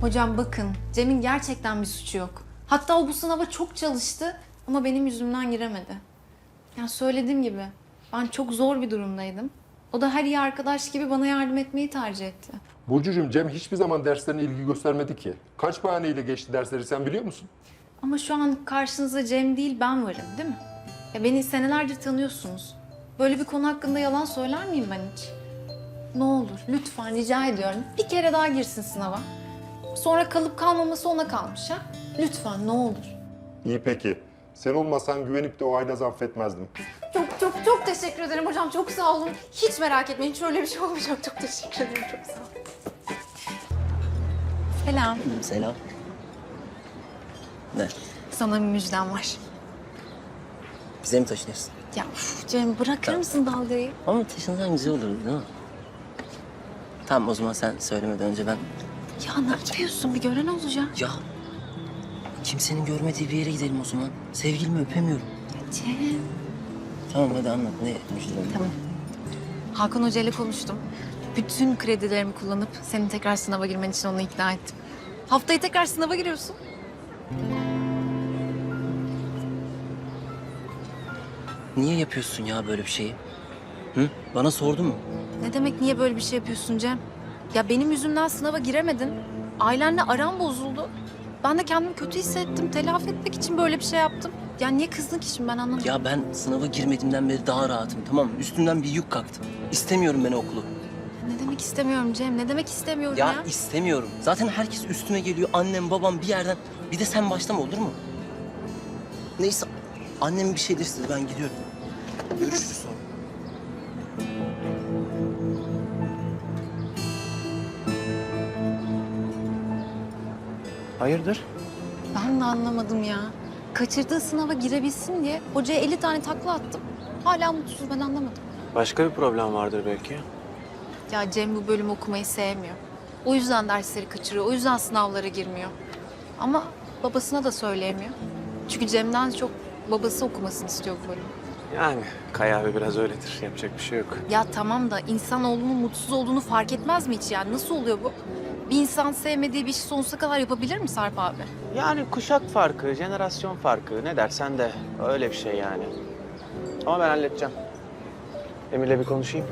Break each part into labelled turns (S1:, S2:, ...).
S1: Hocam bakın, Cem'in gerçekten bir suçu yok. Hatta o bu sınava çok çalıştı ama benim yüzümden giremedi. Ya söylediğim gibi ben çok zor bir durumdaydım. O da her iyi arkadaş gibi bana yardım etmeyi tercih etti.
S2: Burcucuğum, Cem hiçbir zaman derslerine ilgi göstermedi ki. Kaç bahaneyle geçti dersleri sen biliyor musun?
S1: Ama şu an karşınızda Cem değil ben varım değil mi? Ya beni senelerdir tanıyorsunuz. Böyle bir konu hakkında yalan söyler miyim ben hiç? Ne olur lütfen rica ediyorum bir kere daha girsin sınava. Sonra kalıp kalmaması ona kalmış ha. Lütfen ne olur.
S2: İyi peki. Sen olmasan güvenip de o Aynaz'ı affetmezdim.
S1: Çok teşekkür ederim hocam. Çok sağ olun. Hiç merak etmeyin. Hiç öyle bir şey olmayacak. Çok teşekkür ederim. Çok sağ olun. Selam.
S3: Selam. Ne?
S1: Sana bir müjdem var.
S3: Bize mi taşınıyorsun?
S1: Ya Cem bırakır mısın dalgayı?
S3: Ama taşınsan güzel olur değil mi? Tamam o zaman sen söylemeden önce ben...
S1: Ya ne yapıyorsun? Bir gören olacak.
S3: Ya kimsenin görmediği bir yere gidelim o zaman. Sevgilimi öpemiyorum.
S1: Cem.
S3: Tamam hadi anlat ne müjdelerin?
S1: Tamam. Hakan Hoca ile konuştum. Bütün kredilerimi kullanıp senin tekrar sınava girmen için onu ikna ettim. Haftaya tekrar sınava giriyorsun.
S3: Niye yapıyorsun ya böyle bir şeyi? Hı? Bana sordun mu?
S1: Ne demek niye böyle bir şey yapıyorsun Cem? Ya benim yüzümden sınava giremedin. Ailenle aram bozuldu. Ben de kendimi kötü hissettim. Telafi etmek için böyle bir şey yaptım. Ya niye kızdın ki şimdi ben anlamadım.
S3: Ya ben sınava girmediğimden beri daha rahatım tamam mı? Üstümden bir yük kalktı. İstemiyorum ben okulu.
S1: Ne demek istemiyorum Cem? Ne demek istemiyorum ya?
S3: Ya istemiyorum. Zaten herkes üstüme geliyor. Annem, babam bir yerden. Bir de sen başlama olur mu? Neyse. Annem bir şey istedi. Ben gidiyorum. Görüşürüz sonra.
S4: Hayırdır?
S1: Ben de anlamadım ya. Kaçırdığı sınava girebilsin diye hocaya 50 tane takla attım. Hala mutsuz ben anlamadım.
S4: Başka bir problem vardır belki.
S1: Ya Cem bu bölümü okumayı sevmiyor. O yüzden dersleri kaçırıyor. O yüzden sınavlara girmiyor. Ama babasına da söyleyemiyor. Çünkü Cem'den çok babası okumasını istiyor bu bölümü.
S4: Yani Kaya abi biraz öyledir. Yapacak bir şey yok.
S1: Ya tamam da insanoğlunun mutsuz olduğunu fark etmez mi hiç yani? Nasıl oluyor bu? Bir insan sevmediği bir işi sonsuza kadar yapabilir mi Sarp abi?
S4: Yani kuşak farkı, jenerasyon farkı ne dersen de öyle bir şey yani. Ama ben halledeceğim. Emir'le bir konuşayım.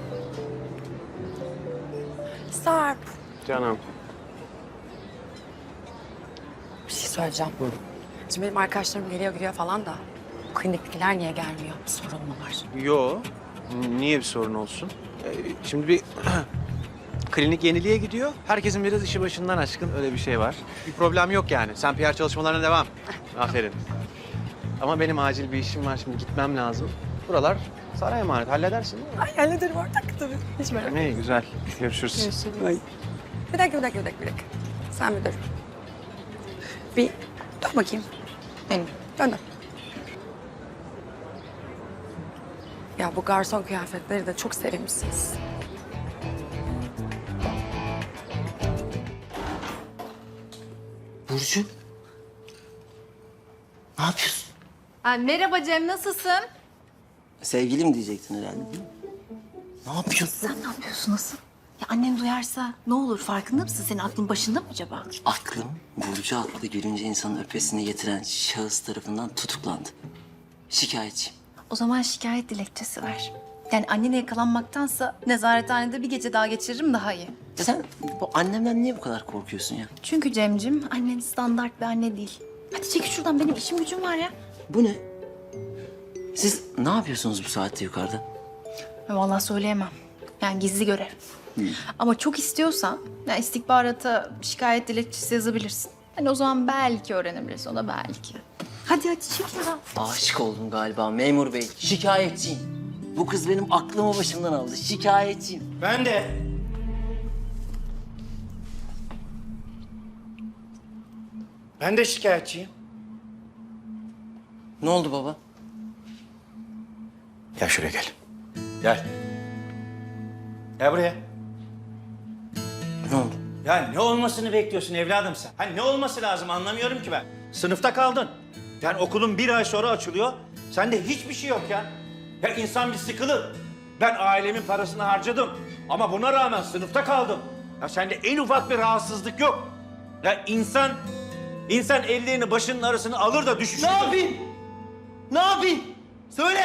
S5: Sarp,
S4: Canım.
S5: bir şey söyleyeceğim. Şimdi benim arkadaşlarım geliyor gidiyor falan da kliniktekiler niye gelmiyor? Bir sorun mu var?
S4: Yo. Niye bir sorun olsun? Şimdi bir klinik yeniliğe gidiyor. Herkesin biraz işi başından aşkın öyle bir şey var. Bir problem yok yani. Sen PR çalışmalarına devam. Aferin. Ama benim acil bir işim var şimdi gitmem lazım. Buralar sana emanet. Halledersin değil mi?
S5: Ay hallederim artık tabii. Hiç merak etme.
S4: Ne güzel. Görüşürüz.
S5: Ay. Bir dakika. Sen bir dur. Bir dur bakayım. Benim. Dön. Ya bu garson kıyafetleri de çok sevmişsiniz.
S3: Burcu. Ne yapıyorsun?
S1: Merhaba Cem nasılsın?
S3: Sevgilim diyecektin herhalde değil mi? Ne yapıyorsun?
S1: Sen ne yapıyorsun nasıl? Ya annen duyarsa ne olur farkında mısın? Senin aklın başında mı acaba?
S3: Aklım Burcu adlı gülünce insanın öpesini getiren şahıs tarafından tutuklandı. Şikayetçiyim.
S1: O zaman şikayet dilekçesi ver. Yani annene yakalanmaktansa nezarethanede bir gece daha geçiririm daha iyi.
S3: Ya sen bu annemden niye bu kadar korkuyorsun ya?
S1: Çünkü Cemcim annen standart bir anne değil. Hadi çekil şuradan benim işim gücüm var ya.
S3: Bu ne? Siz ne yapıyorsunuz bu saatte yukarıda?
S1: Vallahi söyleyemem. Yani gizli görev. Ama çok istiyorsan yani istihbarata şikayet dilekçesi yazabilirsin. Hani o zaman belki öğrenebilirsin. O da belki. Hadi çekil ya.
S3: Aşık oldum galiba memur bey. Şikayetçiyim. Bu kız benim aklımı başımdan aldı. Şikayetçiyim.
S6: Ben de. Ben de şikayetçiyim.
S3: Ne oldu baba?
S6: Gel şuraya gel. Gel. Gel buraya.
S3: Ne oldu?
S6: Ya ne olmasını bekliyorsun evladım sen? Hani ne olması lazım anlamıyorum ki ben. Sınıfta kaldın. Yani okulun bir ay sonra açılıyor. Sende hiçbir şey yok ya. Ya insan bir sıkılır. Ben ailemin parasını harcadım. Ama buna rağmen sınıfta kaldım. Ya sende en ufak bir rahatsızlık yok. Ya insan ellerini başının arasına alır da düşüşür.
S3: Ne yapayım? Ne yapayım? Söyle.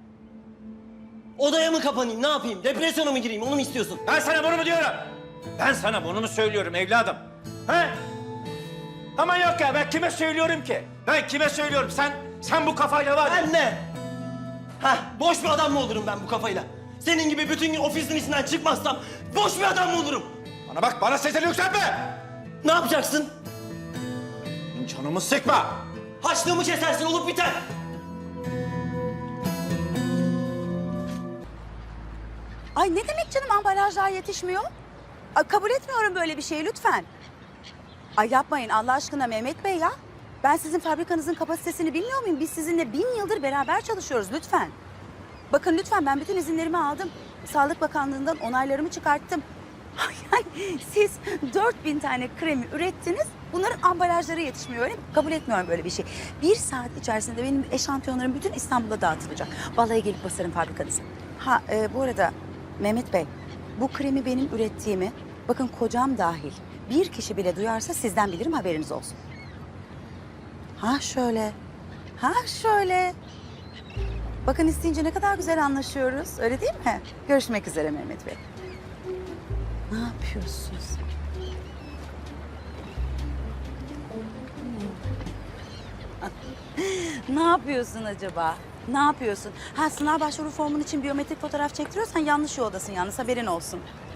S3: Odaya mı kapanayım? Ne yapayım? Depresyona mı gireyim? Onu mu istiyorsun?
S6: Ben sana bunu mu diyorum? Ben sana bunu mu söylüyorum evladım? He? Ama yok ya, ben kime söylüyorum ki? Ben kime söylüyorum? Sen bu kafayla var ya.
S3: Ben ne? Hah, boş bir adam mı olurum ben bu kafayla? Senin gibi bütün gün ofisin içinden çıkmazsam boş bir adam mı olurum?
S6: Bana bak, bana sesini yükseltme!
S3: Ne yapacaksın?
S6: Canımı sıkma!
S3: Haçlığımı kesersin, olup biter.
S7: Ay ne demek canım ambalajlar yetişmiyor? Ay, kabul etmiyorum böyle bir şeyi lütfen. Ay yapmayın Allah aşkına Mehmet Bey ya. Ben sizin fabrikanızın kapasitesini bilmiyor muyum? Biz sizinle 1000 yıldır beraber çalışıyoruz lütfen. Bakın lütfen ben bütün izinlerimi aldım. Sağlık Bakanlığı'ndan onaylarımı çıkarttım. Yani siz 4000 tane kremi ürettiniz. Bunların ambalajları yetişmiyor öyle mi? Kabul etmiyorum böyle bir şey. 1 saat içerisinde benim eşantiyonlarım bütün İstanbul'a dağıtılacak. Vallahi gelip basarım fabrikanızı. Bu arada Mehmet Bey, bu kremi benim ürettiğimi, bakın kocam dahil bir kişi bile duyarsa sizden bilirim haberiniz olsun. Ha şöyle. Bakın isteyince ne kadar güzel anlaşıyoruz, öyle değil mi? Görüşmek üzere Mehmet Bey. Ne yapıyorsunuz? Ne yapıyorsun acaba? Ne yapıyorsun? Sınav başvuru formun için biyometrik fotoğraf çektiriyorsan yanlış yoldasın yalnız haberin olsun.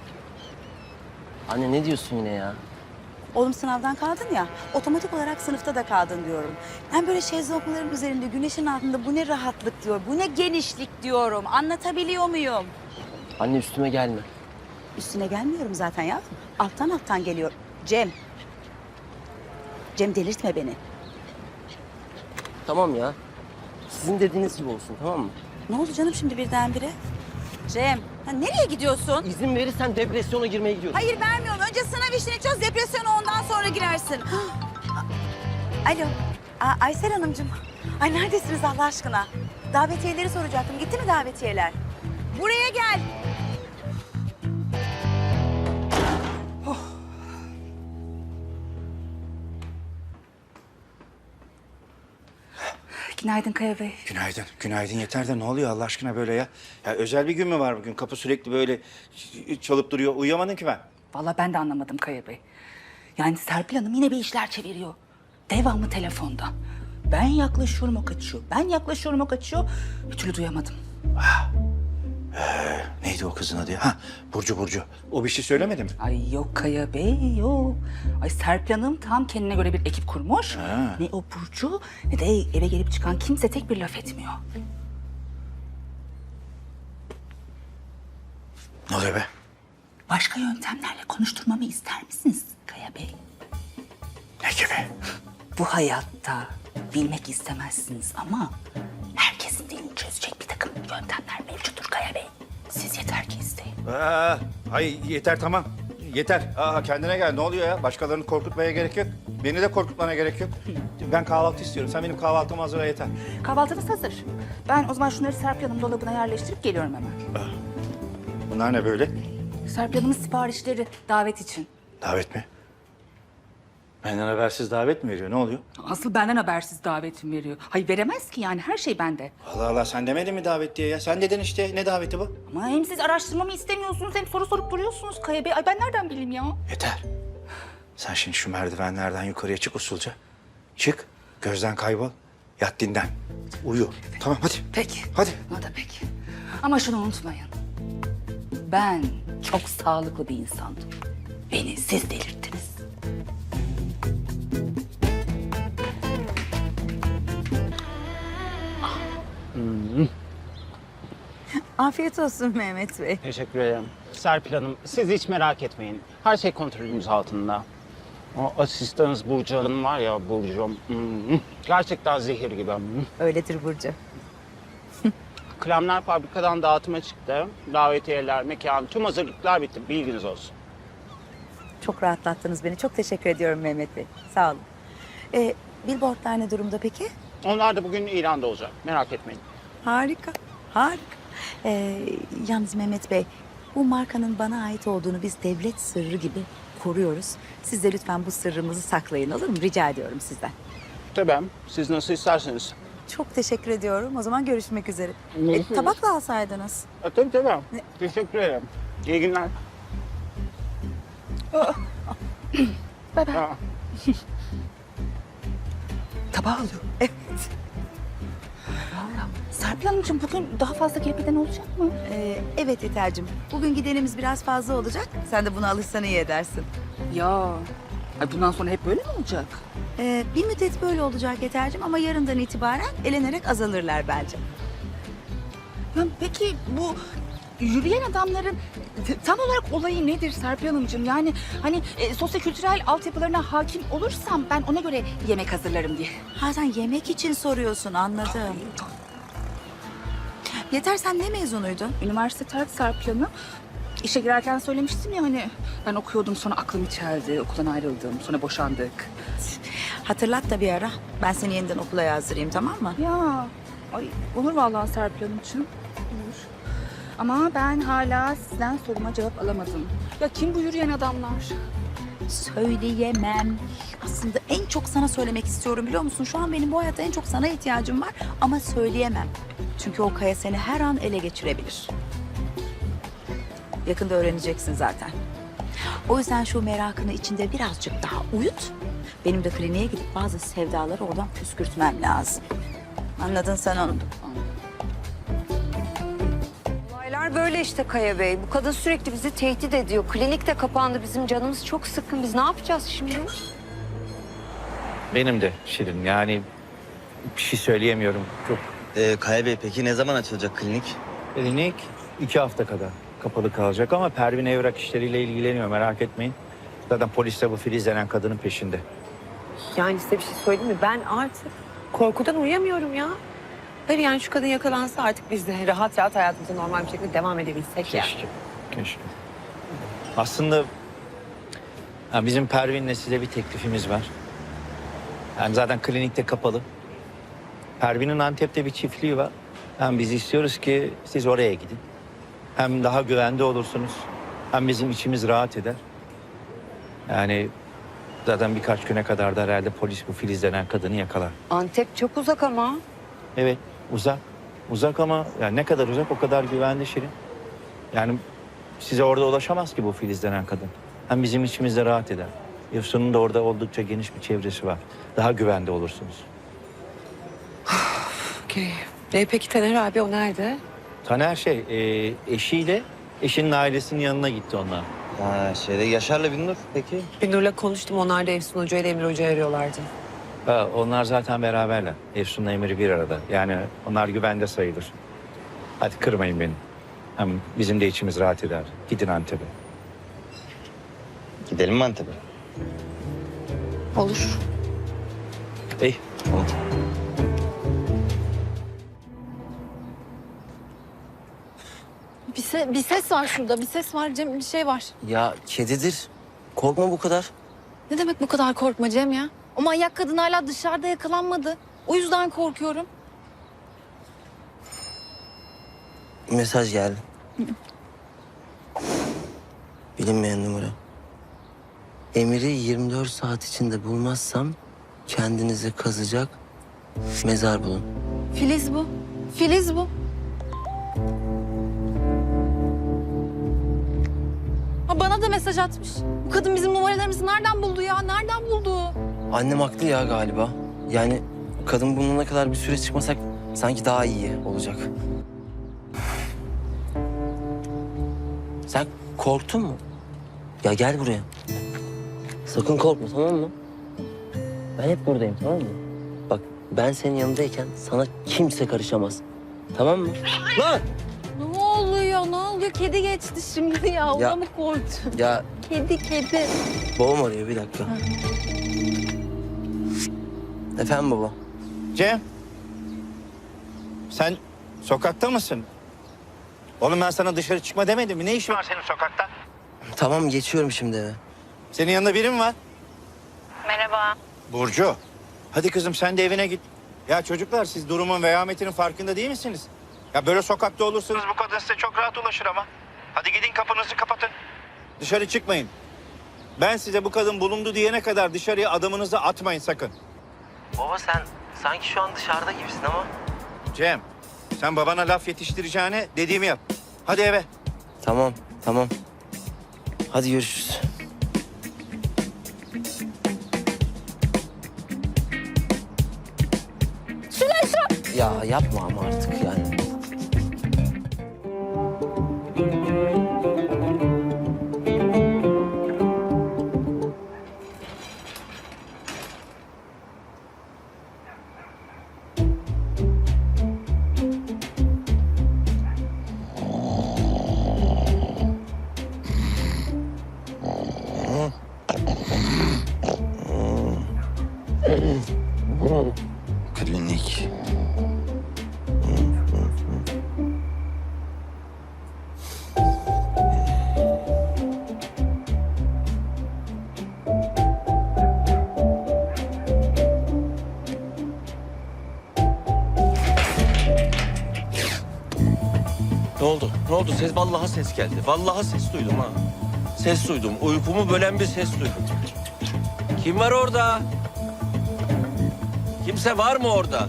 S3: Anne ne diyorsun yine ya?
S7: Oğlum sınavdan kaldın ya, otomatik olarak sınıfta da kaldın diyorum. Ben böyle şezlongların üzerinde, güneşin altında bu ne rahatlık diyor, bu ne genişlik diyorum. Anlatabiliyor muyum?
S3: Anne üstüme gelme.
S7: Üstüne gelmiyorum zaten ya. Alttan geliyor. Cem delirtme beni.
S3: Tamam ya. Sizin dediğiniz gibi olsun, tamam mı?
S7: Ne oldu canım şimdi birdenbire? Cem, nereye gidiyorsun?
S3: İzin verirsen depresyona girmeye gidiyorum.
S7: Hayır vermiyorum. Önce sınav işini çöz, depresyona ondan sonra girersin. Alo, Aysel Hanımcığım. Ay neredesiniz Allah aşkına? Davetiyeleri soracaktım. Gitti mi davetiyeler? Buraya gel. Günaydın Kaya Bey.
S6: Günaydın yeter de ne oluyor Allah aşkına böyle ya? Ya özel bir gün mü var bugün? Kapı sürekli böyle çalıp duruyor. Uyuyamadım ki ben.
S7: Vallahi ben de anlamadım Kaya Bey. Yani Serpil Hanım yine bir işler çeviriyor. Devamlı telefonda. Ben yaklaşıyorum o kaçıyor. Ben yaklaşıyorum o kaçıyor. Bir türlü duyamadım.
S6: Neydi o kızın adı ya? Ha, Burcu. O bir şey söylemedi mi?
S7: Ay yok Kaya Bey yok. Ay Serpil Hanım tam kendine göre bir ekip kurmuş.
S6: Ha.
S7: Ne o Burcu ne de eve gelip çıkan kimse tek bir laf etmiyor.
S6: Ne oluyor be?
S7: Başka yöntemlerle konuşturmamı ister misiniz Kaya Bey?
S6: Ne gibi?
S7: Bu hayatta bilmek istemezsiniz ama herkesin dilini çözecek bir takım yöntemler mevcuttur Kaya Bey. Siz yeter ki isteyin.
S6: Ay yeter tamam. Yeter. Kendine gel. Ne oluyor ya? Başkalarını korkutmaya gerek yok. Beni de korkutmana gerek yok. Ben kahvaltı istiyorum. Sen benim kahvaltımı hazırla yeter.
S7: Kahvaltınız hazır. Ben o zaman şunları Serpil Hanım dolabına yerleştirip geliyorum hemen.
S6: Bunlar ne böyle?
S7: Serpil Hanım'ın siparişleri davet için.
S6: Davet mi? Benden habersiz davet mi veriyor? Ne oluyor?
S7: Asıl benden habersiz davetim veriyor. Hayır veremez ki yani her şey bende.
S6: Allah Allah sen demedin mi davet diye ya? Sen dedin işte. Ne daveti bu?
S7: Ama hem siz araştırmamı istemiyorsunuz hem soru sorup duruyorsunuz Kaya Bey. Ay ben nereden bileyim ya?
S6: Yeter. Sen şimdi şu merdivenlerden yukarıya çık usulca. Çık. Gözden kaybol. Yat dinlen. Uyu. Tamam hadi.
S7: Peki.
S6: Hadi.
S7: O da peki. Ama şunu unutmayın. Ben çok sağlıklı bir insandım. Beni siz delirttiniz. Afiyet olsun Mehmet Bey.
S8: Teşekkür ederim. Serpil Hanım, siz hiç merak etmeyin. Her şey kontrolümüz altında. O asistanınız Burcu Hanım var ya, Burcu. Gerçekten zehir gibi.
S7: Öyledir Burcu.
S8: Kremler fabrikadan dağıtıma çıktı. Davetiyeler, mekan, tüm hazırlıklar bitti. Bilginiz olsun.
S7: Çok rahatlattınız beni. Çok teşekkür ediyorum Mehmet Bey. Sağ olun. Billboardlar ne durumda peki?
S8: Onlar da bugün İran'da olacak. Merak etmeyin.
S7: Harika, harika. Yalnız Mehmet Bey, bu markanın bana ait olduğunu biz devlet sırrı gibi koruyoruz. Siz de lütfen bu sırrımızı saklayın, olur mu? Rica ediyorum sizden.
S8: Tabii, siz nasıl isterseniz.
S7: Çok teşekkür ediyorum. O zaman görüşmek üzere.
S8: Görüşürüz.
S7: Tabakla alsaydınız.
S8: Tabii. Teşekkür ederim. İyi günler.
S7: Bye bye.
S8: Aa.
S7: Tabağı alıyor. Evet.
S5: Serpil Hanımcığım bugün daha fazla kirpiden olacak mı?
S7: Evet Yeter'cim. Bugün gidenimiz biraz fazla olacak. Sen de buna alışsan iyi edersin.
S5: Ya. Ay bundan sonra hep böyle mi olacak?
S7: Bir müddet böyle olacak Yeter'cim ama yarından itibaren elenerek azalırlar bence.
S5: Ya peki bu yürüyen adamların tam olarak olayı nedir Serpil Hanımcığım? Yani hani sosyokültürel altyapılarına hakim olursam ben ona göre yemek hazırlarım diye.
S7: Ha sen yemek için soruyorsun, anladım. Yeter, sen ne mezunuydun?
S5: Üniversite terk Serpil Hanım. İşe girerken söylemiştim ya hani ben okuyordum sonra aklım içerdi, okuldan ayrıldım, sonra boşandık.
S7: Hatırlat da bir ara. Ben seni yeniden okula yazdırayım, tamam mı?
S5: Ya ay olur vallahi Serpil Hanımcığım. Olur. Ama ben hala sizden soruma cevap alamadım. Ya kim bu yürüyen adamlar?
S7: Söyleyemem. Aslında en çok sana söylemek istiyorum, biliyor musun? Şu an benim bu hayatta en çok sana ihtiyacım var ama söyleyemem. Çünkü o kaya seni her an ele geçirebilir. Yakında öğreneceksin zaten. O yüzden şu merakını içinde birazcık daha uyut. Benim de kliniğe gidip bazı sevdaları oradan püskürtmem lazım. Anladın sen onu.
S9: Olaylar böyle işte Kaya Bey. Bu kadın sürekli bizi tehdit ediyor. Klinik de kapandı. Bizim canımız çok sıkkın. Biz ne yapacağız şimdi?
S6: Benim de Şirin. Yani bir şey söyleyemiyorum. Çok
S3: Kaya Bey peki ne zaman açılacak klinik?
S6: klinik 2 hafta kadar kapalı kalacak ama Pervin evrak işleriyle ilgileniyor. Merak etmeyin. Zaten polis de bu Filiz denen kadının peşinde.
S9: Yani size bir şey söyleyeyim mi? Ben artık korkudan uyuyamıyorum ya. Hayır yani şu kadın yakalansa artık biz de rahat rahat hayatımıza normal bir şekilde devam edebilsek ya.
S6: Keşke. Aslında bizim Pervin'le size bir teklifimiz var. Yani zaten klinikte kapalı. Pervin'in Antep'te bir çiftliği var. Hem biz istiyoruz ki siz oraya gidin. Hem daha güvende olursunuz. Hem bizim içimiz rahat eder. Yani zaten birkaç güne kadar da herhalde polis bu Filiz denen kadını yakalar.
S9: Antep çok uzak ama.
S6: Evet, uzak. Uzak ama yani ne kadar uzak o kadar güvenli Şirin. Yani size orada ulaşamaz ki bu Filiz denen kadın. Hem bizim içimizde rahat eder. Efsun'un da orada oldukça geniş bir çevresi var. Daha güvende olursunuz.
S9: Okey. Peki Taner abi o nerede?
S6: Taner eşiyle eşinin ailesinin yanına gitti onlar.
S3: Ha Yaşar'la Binnur peki?
S9: Binur'la konuştum. Onlar da Efsun Hoca ile Emir Hoca'yı arıyorlardı.
S6: Ha, onlar zaten beraberler. Efsun'la Emir'i bir arada. Yani onlar güvende sayılır. Hadi kırmayın beni. Hem bizim de içimiz rahat eder. Gidin Antep'e.
S3: Gidelim mi Antep'e?
S9: Olur.
S6: İyi.
S3: Tamam.
S1: Bir ses var şurada. Bir ses var Cem. Bir şey var.
S3: Ya kedidir. Korkma bu kadar.
S1: Ne demek bu kadar korkma Cem ya? O manyak kadın hala dışarıda yakalanmadı. O yüzden korkuyorum.
S3: Mesaj geldi. Bilinmeyen numara. Emir'i 24 saat içinde bulmazsam kendinizi kazacak mezar bulun.
S1: Filiz bu. Filiz bu. Ha, bana da mesaj atmış. Bu kadın bizim numaralarımızı nereden buldu ya? Nereden buldu?
S3: Annem haklı ya galiba. Yani kadın bulunana kadar bir süre çıkmasak sanki daha iyi olacak. Sen korktun mu? Ya gel buraya. Sakın korkma, tamam mı? Ben hep buradayım, tamam mı? Bak ben senin yanındayken sana kimse karışamaz. Tamam mı? Lan!
S1: Ne oluyor? Ne oluyor? Kedi geçti şimdi ya. Ona
S3: Ya-
S1: mı korktun?
S3: Ya
S1: Kedi.
S3: babam arıyor, bir dakika. Efendim baba?
S10: Cem, sen sokakta mısın? Oğlum ben sana dışarı çıkma demedim mi? Ne işin var senin sokakta?
S3: Tamam, geçiyorum şimdi eve.
S10: Senin yanında biri mi var?
S9: Merhaba.
S10: Burcu. Hadi kızım sen de evine git. Ya çocuklar siz durumun vehametinin farkında değil misiniz? Ya böyle sokakta olursanız bu kadın size çok rahat ulaşır ama. Hadi gidin kapınızı kapatın. Dışarı çıkmayın. Ben size bu kadın bulundu diyene kadar dışarıya adamınızı atmayın sakın.
S3: Baba sen sanki şu an dışarıda gibisin ama.
S10: Cem, sen babana laf yetiştireceğine dediğimi yap. Hadi eve.
S3: Tamam, tamam. Hadi görüşürüz. Ya yapma ama artık yani.
S10: Klinik.
S11: Ne oldu? Ne oldu? Ses, vallahi ses geldi. Vallahi ses duydum ha. Ses duydum. Uykumu bölen bir ses duydum. Kim var orada? Kimse var mı orada?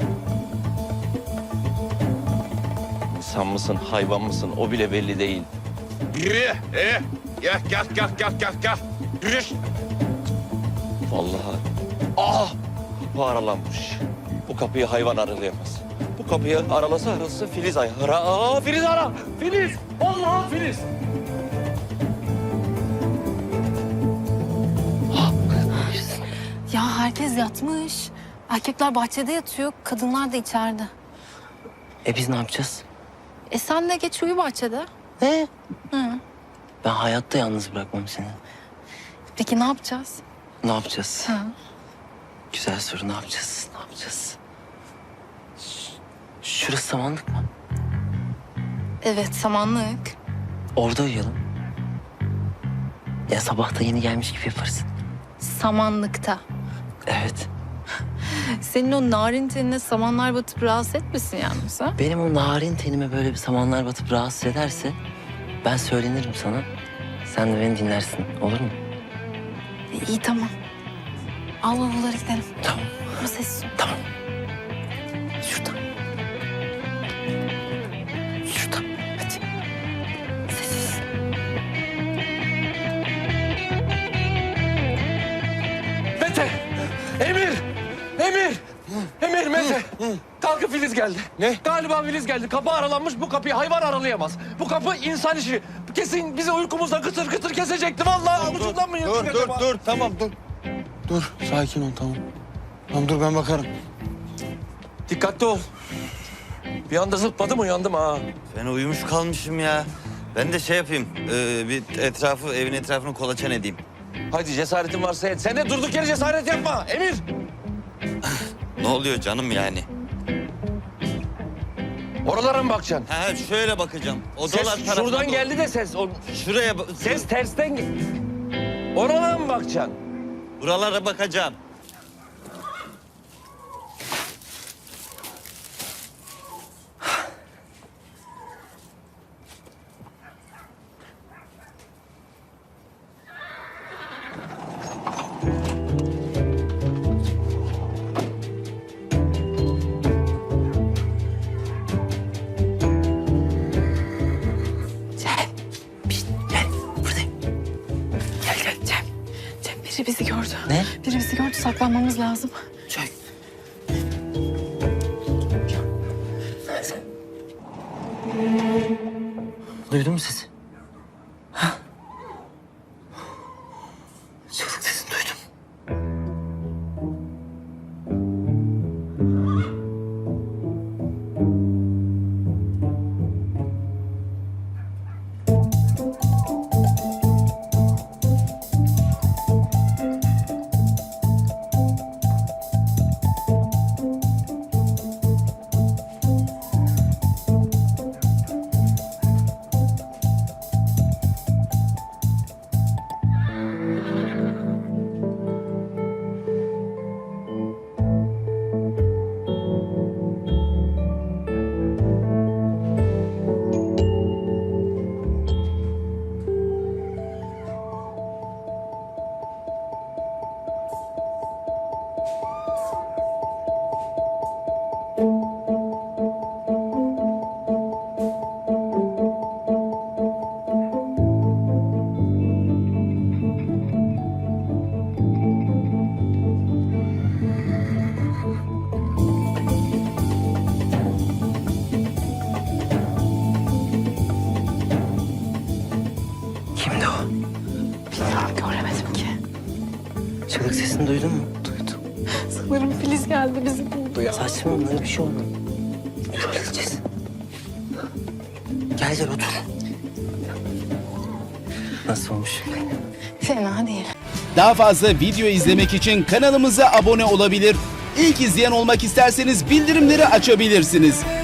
S11: İnsan mısın, hayvan mısın? O bile belli değil.
S12: Yürü. Gel. Yürü.
S11: Vallahi. Ah! Kapı aralanmış. Bu kapıyı hayvan aralayamaz. Bu kapıyı aralasa Filiz ara. Aa, Filiz ara! Filiz! Vallahi Filiz!
S1: Ya herkes yatmış. Erkekler bahçede yatıyor, kadınlar da içeride.
S3: Biz ne yapacağız?
S1: Sen de geç uyu bahçede.
S3: Ne?
S1: Hı.
S3: Ben hayatta yalnız bırakmam seni.
S1: Peki ne yapacağız?
S3: Ne yapacağız?
S1: Ha.
S3: Güzel soru. Ne yapacağız? Ne yapacağız? Şurası samanlık mı?
S1: Evet, samanlık.
S3: Orada uyuyalım. Ya sabah da yeni gelmiş gibi yaparız.
S1: Samanlıkta.
S3: Evet.
S1: Senin o narin tenine samanlar batıp rahatsız etmesin yalnız ha?
S3: Benim o narin tenime böyle bir samanlar batıp rahatsız ederse ben söylenirim sana. Sen de beni dinlersin. Olur mu?
S1: İyi tamam. Al bavulları gidelim.
S3: Tamam.
S1: Ama sessiz ol.
S3: Tamam.
S1: Şurada. Şurada. Hadi. Sessiz.
S11: Mete! Emir, Mete! Kalkın, Filiz geldi.
S12: Ne?
S11: Galiba Filiz geldi. Kapı aralanmış. Bu kapıyı hayvan aralayamaz. Bu kapı insan işi. Kesin bizi uykumuzda kıtır kıtır kesecekti. Vallahi avucundan mı yırttık acaba?
S12: Tamam dur. Dur sakin ol tamam. Tamam dur ben bakarım.
S11: Dikkatli ol. Bir anda zıpladım uyandım ha.
S13: Ben uyumuş kalmışım ya. Ben de şey yapayım, bir evin etrafını kolaçan edeyim.
S11: Hadi cesaretin varsa et. Sen de durduk yere cesaret yapma Emir.
S13: Ne oluyor canım yani?
S11: Oralara mı bakacaksın?
S13: Ha şöyle bakacağım. Odalar
S11: Ses
S13: tarafına
S11: şuradan
S13: doğru.
S11: geldi de ses.
S13: Şuraya
S11: Ses tersten gel. Oralara mı bakacaksın?
S13: buralara bakacağım.
S3: Gel. Buradayım. Gel.
S1: Cem biri bizi gördü.
S3: Ne?
S1: Biri bizi gördü, saklanmamız lazım.
S3: Çök. Duydun mu sesi? Ha? Çığlık sesini duydum. Kimdi o?
S1: Bilmiyorum, göremedim ki.
S3: Çığlık sesini duydun mu?
S1: Duydum. Sanırım Filiz geldi bizi buldu ya.
S3: Saçmalama, öyle bir şey olmadı. Dur, halledeceğiz. Gel gel otur. Nasıl olmuş?
S1: Fena değil.
S14: Daha fazla video izlemek için kanalımıza abone olabilir. İlk izleyen olmak isterseniz bildirimleri açabilirsiniz.